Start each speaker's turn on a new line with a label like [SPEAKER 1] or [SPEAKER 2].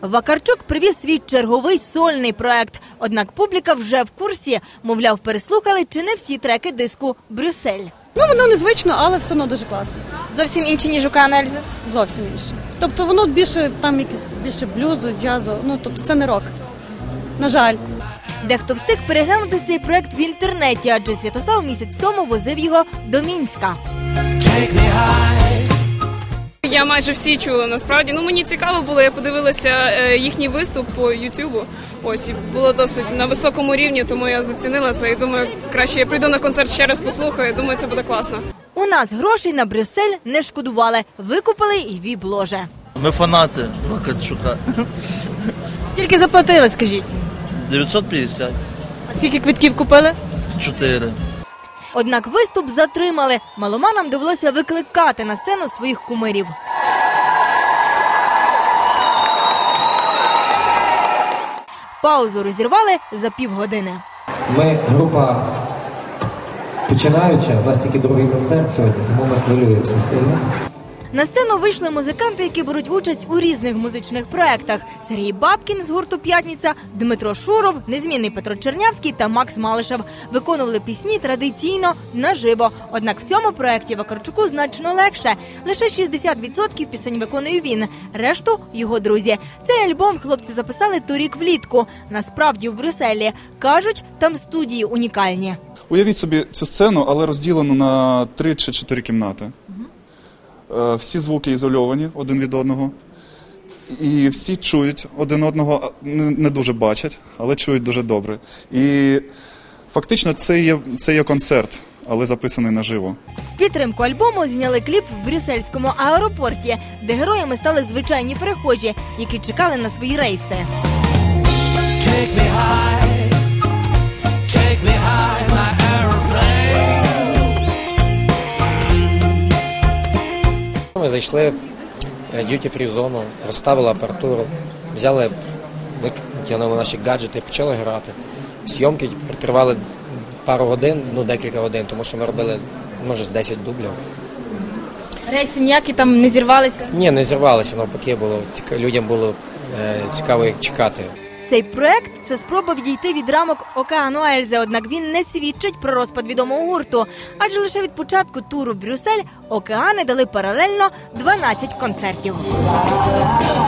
[SPEAKER 1] Вакарчук привіз свій черговий сольний проект. Однак публіка вже в курсі. Мовляв, переслухали чи не всі треки диску «Брюссель».
[SPEAKER 2] Воно незвично, але все одно дуже класно.
[SPEAKER 1] Зовсім інші, ніж у К.Н.Ельзи?
[SPEAKER 2] Зовсім інше. Тобто воно більше блюзу, джазу, тобто це не рок. На жаль.
[SPEAKER 1] Дехто встиг переглянути цей проект в інтернеті, адже Святослав місяць тому возив його до Мінська.
[SPEAKER 3] Я майже всі чула, насправді. Мені цікаво було, я подивилася їхній виступ по Ютубу. Ось, і було досить на високому рівні, тому я зацінила це і думаю, краще я прийду на концерт ще раз послухаю, думаю, це буде класно.
[SPEAKER 1] У нас грошей на Брюссель не шкодували, викупили і віп-ложе.
[SPEAKER 4] Ми фанати Вакарчука.
[SPEAKER 1] Скільки заплатили, скажіть?
[SPEAKER 4] 950.
[SPEAKER 1] А скільки квитків купили?
[SPEAKER 4] 4.
[SPEAKER 1] Однак виступ затримали. Меломанам довелося викликати на сцену своїх кумирів. Паузу розірвали за півгодини.
[SPEAKER 5] Ми група починаюча, у нас тільки другий концерт сьогодні, тому ми хвилюємося сильно.
[SPEAKER 1] На сцену вийшли музиканти, які беруть участь у різних музичних проєктах. Сергій Бабкін з гурту «П'ятниця», Дмитро Шуров, незмінний Петро Чернявський та Макс Малишев. Виконували пісні традиційно, наживо. Однак в цьому проєкті Вакарчуку значно легше. Лише 60% пісень виконує він, решту – його друзі. Цей альбом хлопці записали торік влітку. Насправді в Брюсселі. Кажуть, там студії унікальні.
[SPEAKER 6] Уявіть собі цю сцену, але розділену на 3 чи 4 кімнати. Всі звуки ізольовані один від одного, і всі чують один одного, не дуже бачать, але чують дуже добре. І фактично це є концерт, але записаний наживо.
[SPEAKER 1] В підтримку альбому зняли кліп в брюссельському аеропорті, де героями стали звичайні перехожі, які чекали на свої рейси.
[SPEAKER 5] Ми зайшли в д'юті-фрі зону, розставили апаратуру, взяли, витягнули наші гаджети і почали грати. Зйомки тривали пару годин, декілька годин, тому що ми робили, може, з 10 дублів.
[SPEAKER 1] Рейси ніякі там не зірвалися?
[SPEAKER 5] Ні, не зірвалися, навпаки, людям було цікаво чекати.
[SPEAKER 1] Цей проект – це спроба відійти від рамок Океану Ельзи, однак він не свідчить про розпад відомого гурту. Адже лише від початку туру в Брюссель Океани дали паралельно 12 концертів.